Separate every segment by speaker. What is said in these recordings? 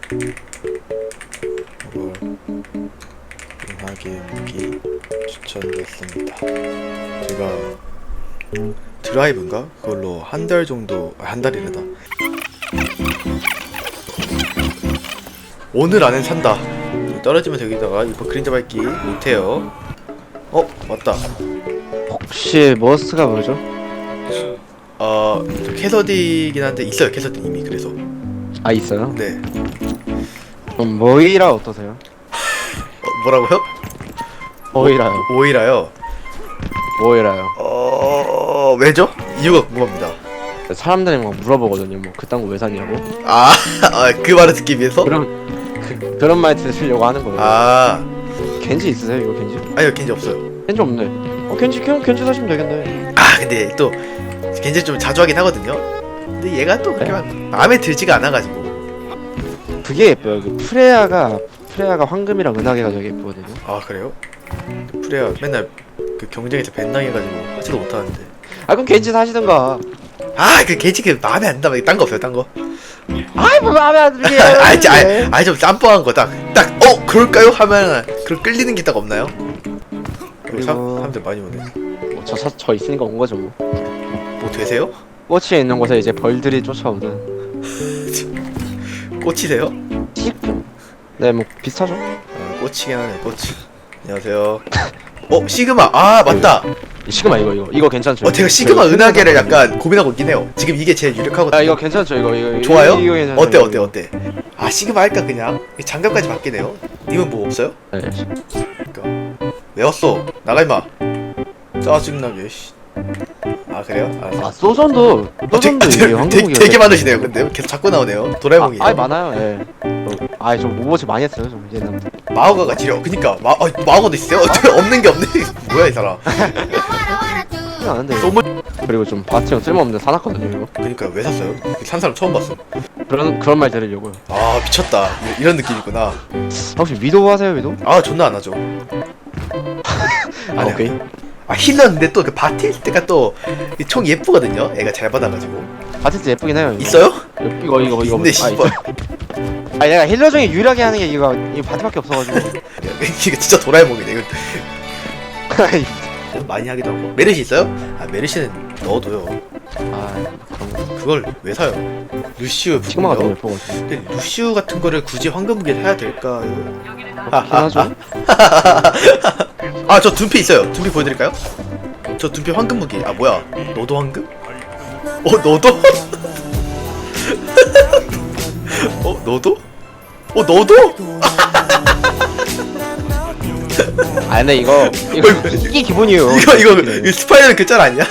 Speaker 1: 이걸 은하계 무기 추천됐습니다. 제가 드라이브인가? 그걸로 한 달 정도, 한 달이래다. 오늘 안엔 산다. 떨어지면 여기다가 이거 그림자 밟기 못해요. 맞다.
Speaker 2: 혹시 머스가 뭐죠?
Speaker 1: 저 캐서디긴 한데 있어요. 캐서디 이미. 그래서
Speaker 2: 아 있어요?
Speaker 1: 네.
Speaker 2: 그럼 모이라 어떠세요?
Speaker 1: 뭐라고요?
Speaker 2: 모이라요.
Speaker 1: 오이라요.
Speaker 2: 모이라요.
Speaker 1: 왜죠? 이유가 궁금합니다.
Speaker 2: 사람들이 막 물어보거든요. 뭐 그딴 거 왜 샀냐고.
Speaker 1: 그 말을 듣기 위해서?
Speaker 2: 그런 말 들으려고 하는 거예요. 겐지 있으세요? 이거 겐지?
Speaker 1: 아니요, 겐지 없어요.
Speaker 2: 겐지 없네. 겐지 그냥 겐지 사시면 되겠네.
Speaker 1: 근데 또 겐지 좀 자주 하긴 하거든요. 근데 얘가 또 그렇게 막 마음에 들지가 않아가지고.
Speaker 2: 그게 예뻐요. 그 프레야가 황금이랑 은하계가 되게 예쁘거든요.
Speaker 1: 그래요? 프레야 맨날 그 경쟁에서 밴당해가지고 하지도 못하는데.
Speaker 2: 그럼 겐지 사시던가.
Speaker 1: 그 겐지 그 마음에 안 들어. 딴 거 없어요, 딴 거?
Speaker 2: 뭐 마음에 안 들게.
Speaker 1: 좀 짬뽕한 거 딱 그럴까요? 하면 그런 끌리는 게 딱 없나요?
Speaker 2: 그리고
Speaker 1: 사람들 많이 오네.
Speaker 2: 저 있으니까 온 거죠 뭐.
Speaker 1: 뭐 되세요?
Speaker 2: 꽃이 있는 곳에 이제 벌들이 쫓아오든.
Speaker 1: 꽃이세요?
Speaker 2: 네, 뭐 비슷하죠.
Speaker 1: 꽃이긴 하네, 꽃. 안녕하세요. 시그마. 맞다.
Speaker 2: 시그마 이거 괜찮죠?
Speaker 1: 제가 시그마 은하계를 약간 고민하고 있긴 해요. 지금 이게 제일 유력하거든요.
Speaker 2: 이거 괜찮죠? 이거
Speaker 1: 좋아요?
Speaker 2: 이거 괜찮죠?
Speaker 1: 어때? 시그마 할까 그냥? 장갑까지 바뀌네요. 님은 뭐 없어요?
Speaker 2: 네.
Speaker 1: 그니까 왜 왔어? 나가 임마. 짜증나게. 그래요? 알았어.
Speaker 2: 소전도 이게 한국이요.
Speaker 1: 되게 많으시네요. 근데 계속 자꾸 나오네요. 도라에몽이.
Speaker 2: 많아요. 예. 좀 오버워치 많이 했어요. 좀 옛날에.
Speaker 1: 마오가가 지려. 그니까 마오가도 있어요? 없는 게 없네. 뭐야 이 사람.
Speaker 2: 아는데. 그리고 좀 바스티온 쓸모없는데 사놨거든요 이거.
Speaker 1: 그니까 왜 샀어요? 산 사람 처음 봤어.
Speaker 2: 그런 말 들으려고요.
Speaker 1: 미쳤다. 이런 느낌이구나.
Speaker 2: 혹시 위도우 하세요 위도우?
Speaker 1: 존나 안 하죠. 아니요.
Speaker 2: 오케이.
Speaker 1: 힐러인데 또 그 바티스트가 또 총 예쁘거든요. 애가 잘 받아가지고.
Speaker 2: 바티스트 예쁘긴 해요. 이거.
Speaker 1: 있어요?
Speaker 2: 이거.
Speaker 1: 근데 씨발.
Speaker 2: 내가 힐러 중에 유일하게 하는 게 이거 바티밖에 없어가지고.
Speaker 1: 이거 진짜 도라에몽이네. 이거 많이 하기도 하고. 메르시 있어요? 메르시는 넣어둬요.
Speaker 2: 그럼
Speaker 1: 그걸 왜 사요? 루시우
Speaker 2: 시그마가 너무
Speaker 1: 부분이요?
Speaker 2: 예뻐가지고.
Speaker 1: 근데 루시우 같은 거를 굳이 황금무게 사야 될까요?
Speaker 2: 하죠.
Speaker 1: 저 둔피 있어요. 둔피 보여드릴까요? 저 둔피 황금무기. 뭐야? 너도 황금? 너도? 너도? 너도?
Speaker 2: 근데 이게 기본이에요.
Speaker 1: 이거 스파이더맨 그 짤 아니야?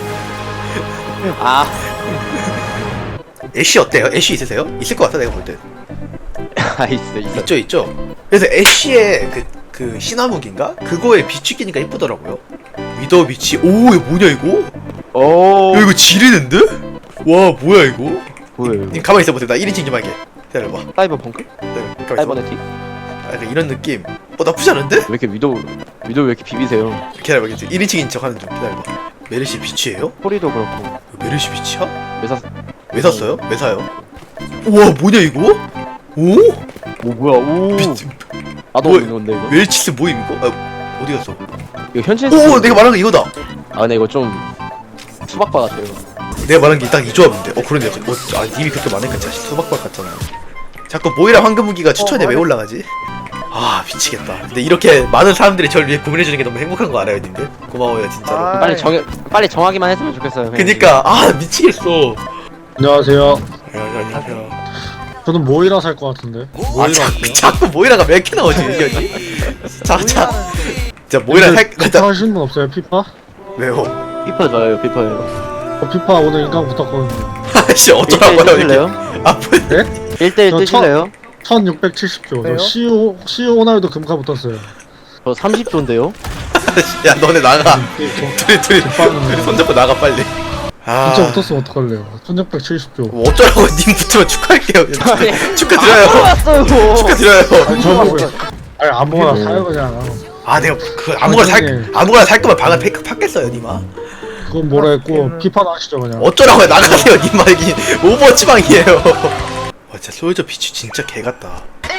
Speaker 1: 애쉬 어때요? 애쉬 있으세요? 있을 것 같아 내가 볼 때.
Speaker 2: 있어.
Speaker 1: 있죠. 그래서 애쉬의 그 신화무기인가? 그거에 빛이 끼니까 이쁘더라고요. 위더 빛이. 이거 뭐냐 이거? 야, 이거 지리는데? 와 뭐야 이거?
Speaker 2: 뭐예요?
Speaker 1: 님 가만히 있어보세요. 나 1인칭 좀 할게. 기다려봐.
Speaker 2: 사이버 펑크?
Speaker 1: 가만히
Speaker 2: 사이버네틱?
Speaker 1: 약간 이런 느낌. 나쁘지 않은데?
Speaker 2: 왜 이렇게 위도우 왜 이렇게 비비세요?
Speaker 1: 기다려봐. 1인칭인 척 하는 중. 기다려봐. 메르시 빛이에요?
Speaker 2: 소리도 그렇고.
Speaker 1: 메르시 빛이야?
Speaker 2: 왜
Speaker 1: 샀어요? 왜 사요? 우와 뭐냐 이거? 오?
Speaker 2: 뭐야? 오. 나도
Speaker 1: 뭐,
Speaker 2: 없는 건데 이거.
Speaker 1: 웰치스 모임 이거? 어디 갔어?
Speaker 2: 이거 현실.
Speaker 1: 내가 말한 거 이거다.
Speaker 2: 근데 이거 좀 수박바 같아요.
Speaker 1: 내가 말한 게 딱 이 조합인데. 그러네. 님이 그렇게 많으니까 진짜 수박박 같잖아. 자꾸 모이라 황금무기가 추천에 왜 올라가지? 미치겠다. 근데 이렇게 많은 사람들이 저를 위해 고민해주는 게 너무 행복한 거 알아요, 님들? 고마워요, 진짜로.
Speaker 2: 빨리 정하기만 했으면 좋겠어요.
Speaker 1: 그니까, 미치겠어.
Speaker 3: 안녕하세요.
Speaker 1: 안녕하세요.
Speaker 3: 저는 모이라 살 것 같은데.
Speaker 1: 자꾸 모이라가 몇 개 나오지, 의견이? 진짜 모이라
Speaker 3: 피파 하시는 분 없어요? 피파?
Speaker 1: 왜요?
Speaker 2: 피파 좋아요, 피파예요.
Speaker 3: 피파 오늘 인강 붙었거든요.
Speaker 1: 씨, 어쩌라고요, 이게?
Speaker 3: 네?
Speaker 2: 1대1 뜨실래요?
Speaker 3: 1670조. 저 CU 호날두 금카 붙었어요.
Speaker 2: 저 30조인데요?
Speaker 1: 야, 너네 나가. 둘이
Speaker 3: 빵은
Speaker 1: 손잡고 나가, 빨리.
Speaker 3: 진짜 붙었으면 어떡할래요? 1670조.
Speaker 1: 뭐 어쩌라고, 님 붙으면 축하할게요. 축하드려요.
Speaker 2: 왔어요.
Speaker 1: 축하드려요.
Speaker 3: 저보고요. 아무거나 사요 그냥.
Speaker 1: 내가 아무거나 살 거면 방을 페이크 팠겠어요, 님아.
Speaker 3: 그건 뭐라 했고 피파나 하시죠 그냥.
Speaker 1: 어쩌라고요, 나가세요, 님아. 이게 오버워치 방이에요. 진짜 솔저 비추 진짜 개 같다.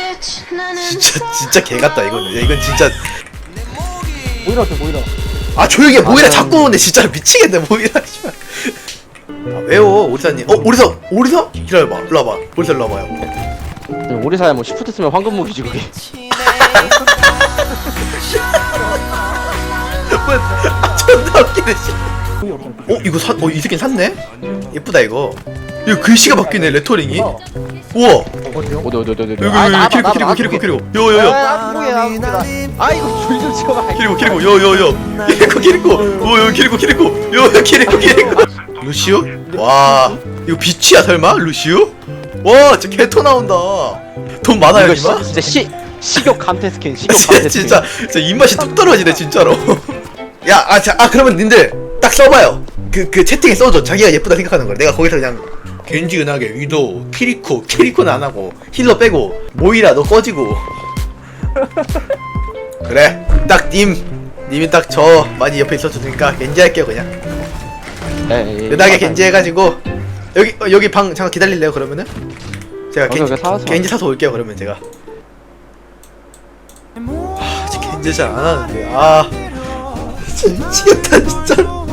Speaker 1: 진짜 개 같다 이거는. 야, 이건 진짜.
Speaker 4: 모이라 어때 모이라.
Speaker 1: 아 조용히 해. 모이라 자꾸 오는데 진짜 미치겠네 모이라. 씨발. 아 왜요 오리사님? 오리사? 기다려봐. 일로 와봐. 오리사 일로 와봐요.
Speaker 2: 오리사야 뭐 시프트 쓰면 황금 무기지 그게.
Speaker 1: 존나 웃기네 씨. 이거 이 새끼 샀네? 예쁘다 이거. 이거 글씨가 바뀌네 레터링이. 우와.
Speaker 4: 어디요?
Speaker 2: 어디.
Speaker 1: 여기 키리코 요요요
Speaker 2: 아 이거 줄좀 치워봐.
Speaker 1: 키리코 요요요 키리코 요요 키리코 루시우? 와 이거 비치야 설마? 루시우? 와 진짜 개토 나온다. 돈 많아요
Speaker 2: 이거
Speaker 1: 이마?
Speaker 2: 진짜 식욕 감퇴 스킨. 식욕 감퇴 스킨.
Speaker 1: 진짜 입맛이 뚝 떨어지네 진짜로. 그러면 님들 딱 써봐요. 그 채팅에 써줘. 자기가 예쁘다 생각하는 걸. 내가 거기서 그냥 겐지 은하계 위도 키리코는 안 하고 힐러 빼고 모이라 너 꺼지고. 그래 딱 님이 딱 저 많이 옆에 있어주니까 겐지 할게요 그냥. 은하계 겐지 해가지고 여기 방 잠깐 기다릴래요 그러면은? 제가 겐지 사서 올게요 그러면 제가. 진짜 겐지 잘 안 하는데 진짜 미치겠다 진짜.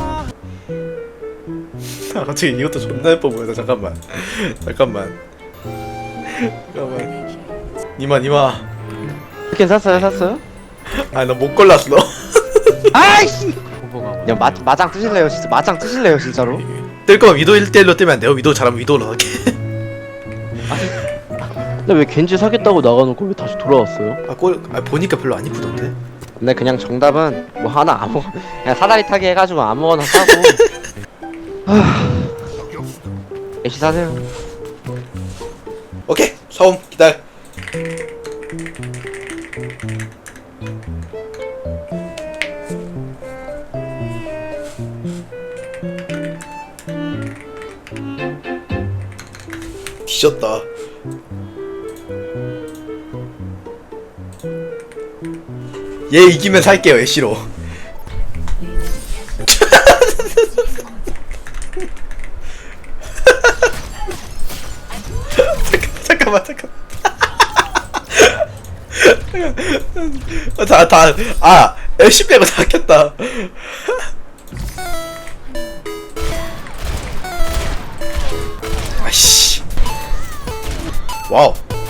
Speaker 1: 갑자기 이것도 존나 예뻐 보여서 잠깐만. 니마
Speaker 2: 스킨 샀어요?
Speaker 1: 아 나 못 골랐어.
Speaker 2: 아이씨. 그냥 마장 뜨실래요 진짜로?
Speaker 1: 뜰 거면 위도 1대1로 뜨면 안 돼요? 위도 잘하면 위도로 하게.
Speaker 2: 근데 왜 겐지 사겠다고 나가놓고 왜 다시 돌아왔어요?
Speaker 1: 보니까 별로 안 이쁘던데?
Speaker 2: 근데 그냥 정답은 뭐 하나 그냥 사다리 타기 해가지고 아무거나 사고. 애쉬 사세요.
Speaker 1: 오케이 사옴 기다려. 뒤졌다. 얘 이기면 살게요 애쉬로. 잠깐만 애쉬 빼고 다 켰다. 아이씨 와우.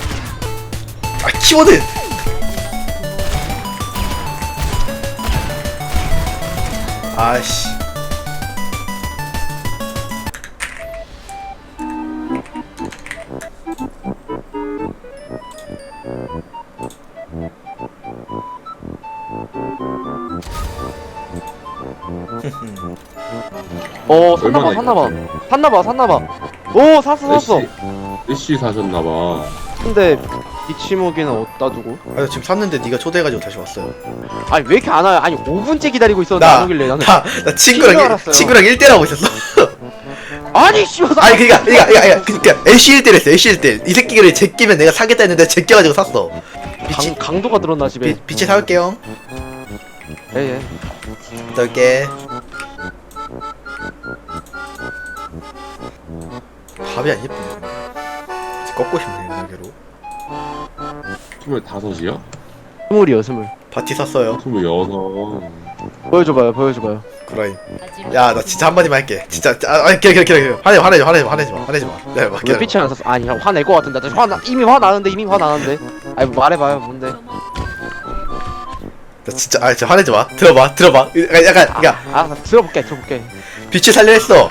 Speaker 1: 키워드 아이씨.
Speaker 2: 샀나봐. 오 샀어.
Speaker 5: 애쉬 사셨나봐.
Speaker 2: 근데 미치무기는 어디다 두고?
Speaker 1: 나 지금 샀는데 네가 초대해가지고 다시 왔어요.
Speaker 2: 아니 왜 이렇게 안 와요? 아니 5분째 기다리고 있었는데 안 오길래 나는.
Speaker 1: 나
Speaker 2: 친구인 줄 알았어요.
Speaker 1: 친구랑 1대1 하고 있었어.
Speaker 2: 아니 씨발.
Speaker 1: 아니 그니까 애쉬 1대1 했어. 애쉬 1대1. 이 새끼를 제끼면 내가 사겠다 했는데 제껴가지고 샀어.
Speaker 2: 강도가 들었나 집에.
Speaker 1: 빛이 사올게요.
Speaker 2: 예.
Speaker 1: 갔다 올게. 밥이 안 예쁘네. 꺾고 싶네 은하계로.
Speaker 5: 25이요?
Speaker 2: 20이요.
Speaker 1: 바티 샀어요.
Speaker 5: 26.
Speaker 2: 보여줘봐요.
Speaker 1: 그라임. 야 나 진짜 한마디만 할게. 진짜 기다려. 화내지 마. 야 막.
Speaker 2: 왜 빛이 안 샀어? 아니 화낼 것 같은데. 이미 화나는데. 아니 뭐 말해봐요 뭔데?
Speaker 1: 나 진짜 진짜 화내지 마. 들어봐. 약간
Speaker 2: 아 들어볼게.
Speaker 1: 빛이 살려 했어.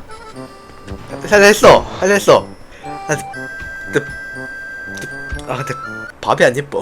Speaker 1: 근데 밥이 안 예뻐.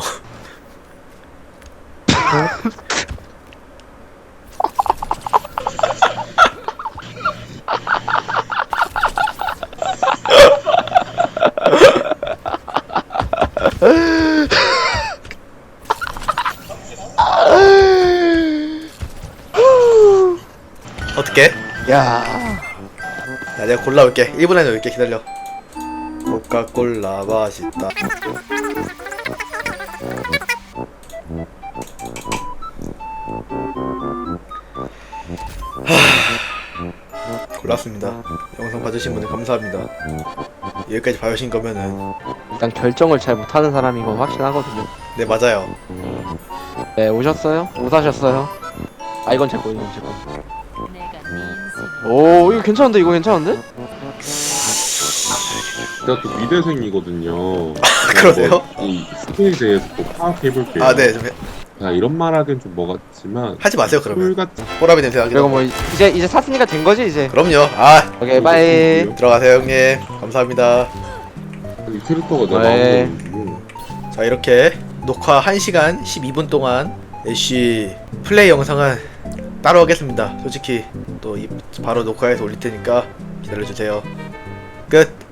Speaker 1: 어떻게?
Speaker 2: 야
Speaker 1: 내가 골라올게. 1분 안에 올게. 기다려. 코카콜라 맛있다. 골랐습니다. 영상 봐주신 분들 감사합니다. 여기까지 봐주신 거면은
Speaker 2: 일단 결정을 잘 못하는 사람인 건 확실하거든요.
Speaker 1: 네 맞아요.
Speaker 2: 네, 오셨어요? 못 하셨어요? 아, 이건 제 거, 이건 제 거. 오, 이거 괜찮은데? 이거 괜찮은데?
Speaker 5: 제가 또 미대생이거든요.
Speaker 1: 그러세요?
Speaker 5: 이 스킬에 대해서 또 파악해볼게요.
Speaker 1: 아 네 좀
Speaker 5: 자, 이런 말 하기엔 좀 뭐 같지만
Speaker 1: 하지 마세요 그러면.
Speaker 5: 같은
Speaker 1: 호라비 냄새 나기도
Speaker 2: 그리고
Speaker 1: 하고.
Speaker 2: 뭐, 이제 샀으니까 된 거지, 이제.
Speaker 1: 그럼요. 아
Speaker 2: 오케이, 바이.
Speaker 1: 들어가세요 형님. 감사합니다.
Speaker 5: 이 캐릭터가 내가
Speaker 2: 네.
Speaker 5: 마음에
Speaker 1: 자 이렇게 녹화 1시간 12분 동안 애쉬 플레이 영상은 따로 하겠습니다. 솔직히 또 바로 녹화해서 올릴 테니까 기다려주세요. 끝.